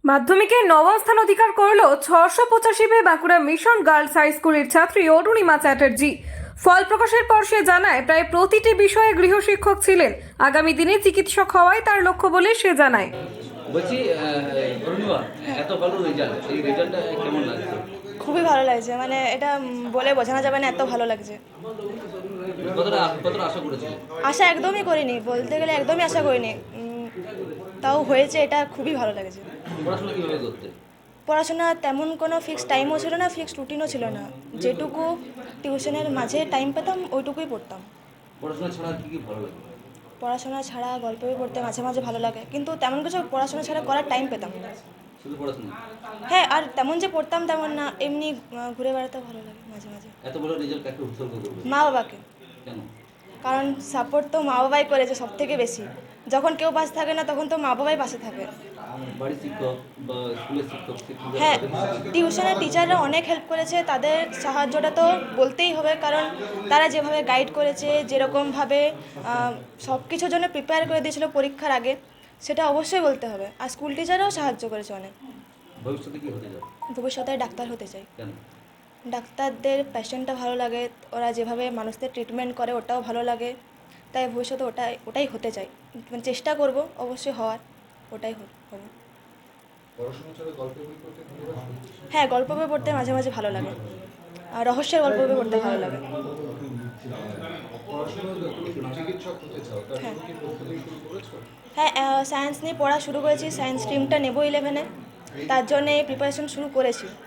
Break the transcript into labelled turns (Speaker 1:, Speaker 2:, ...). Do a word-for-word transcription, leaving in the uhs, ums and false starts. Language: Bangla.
Speaker 1: মাধ্যমিকে নবম স্থান অধিকার করল ছশো পঁচাশি পেয়ে বাঁকুড়া মিশন গার্লস হাই স্কুলের ছাত্রী অরুণিমা চ্যাটার্জি। ফল প্রকাশের পর সে জানায় প্রায় প্রতিটি বিষয়ে গৃহশিক্ষক ছিলেন, আগামী দিনে চিকিৎসক হওয়াই তার লক্ষ্য বলে সে জানায়।
Speaker 2: বলছি অরুণিমা, এত ভালো রেজাল্ট, এই রেজাল্টটা কেমন লাগছে?
Speaker 3: খুবই ভালো লাগছে, মানে এটা উম, বলে বোঝানো যাবে না, এত ভালো লাগছে।
Speaker 2: কতটা কতটা আশা করেছিলে?
Speaker 3: আশা একদমই করিনি, বলতে গেলে একদমই আশা করিনি। উম, তাও হয়েছে, এটা খুবই ভালো লাগছে।
Speaker 2: পড়াশোনা কিভাবে করতে?
Speaker 3: পড়াশোনা তেমন কোনো ফিক্স টাইমও ছিল না, ফিক্সড রুটিনও ছিল না। যেটুকু টিউশনের মাঝে টাইম পেতাম ওইটুকুই পড়তাম।
Speaker 2: পড়াশোনা ছাড়া কি কি ভালো লাগে?
Speaker 3: পড়াশোনা ছাড়া গল্প বই পড়তে মাঝে মাঝে ভালো লাগে, কিন্তু তেমন কিছু পড়াশোনা ছাড়া করার টাইম পেতাম না।
Speaker 2: শুধু পড়াশোনা?
Speaker 3: হ্যাঁ, আর তেমন যে পড়তাম তেমন না, এমনি আহ, ঘুরে বেড়াতে ভালো লাগে মাঝে মাঝে।
Speaker 2: এত ভালো রেজাল্ট কাকে উৎসর্গ করবে?
Speaker 3: মা বাবাকে।
Speaker 2: কেন?
Speaker 3: কারণ সাপোর্ট তো মা বাবাই করেছে সব থেকে বেশি। যখন কেউ পাশে থাকে না তখন তো মা বাবাই পাশে থাকে।
Speaker 2: বাড়ির শিক্ষক বা স্কুলের শিক্ষক শিক্ষকরা
Speaker 3: হ্যাঁ,
Speaker 2: তাদের সাথে-
Speaker 3: টিউশনের টিচাররা অনেক হেল্প করেছে, তাদের সাহায্যটা তো বলতেই হবে, কারণ তারা যেভাবে গাইড করেছে, যেরকমভাবে সব কিছুর জন্য প্রিপেয়ার করে দিয়েছিল পরীক্ষার আগে, সেটা অবশ্যই বলতে হবে। আর স্কুল টিচাররাও সাহায্য করেছে অনেক।
Speaker 2: ভবিষ্যতে কি হতে যাবে?
Speaker 3: ভবিষ্যতে ডাক্তার হতে চাই।
Speaker 2: কেন?
Speaker 3: ডাক্তারদের প্যাশনটা ভালো লাগে, ওরা যেভাবে মানুষদের ট্রিটমেন্ট করে ওটাও ভালো লাগে, তাই ভবিষ্যতে ওটাই ওটাই হতে চাই। মানে চেষ্টা করব অবশ্যই হওয়ার, ওটাই হবে। হ্যাঁ, গল্প বই পড়তে মাঝে মাঝে ভালো লাগে, আর রহস্যের গল্প বই পড়তে ভালো লাগে। হ্যাঁ, হ্যাঁ, সায়েন্স নিয়ে পড়া শুরু করেছি, সায়েন্স স্ট্রিমটা নেবো ইলেভেনে, তার জন্যে প্রিপারেশন শুরু করেছি।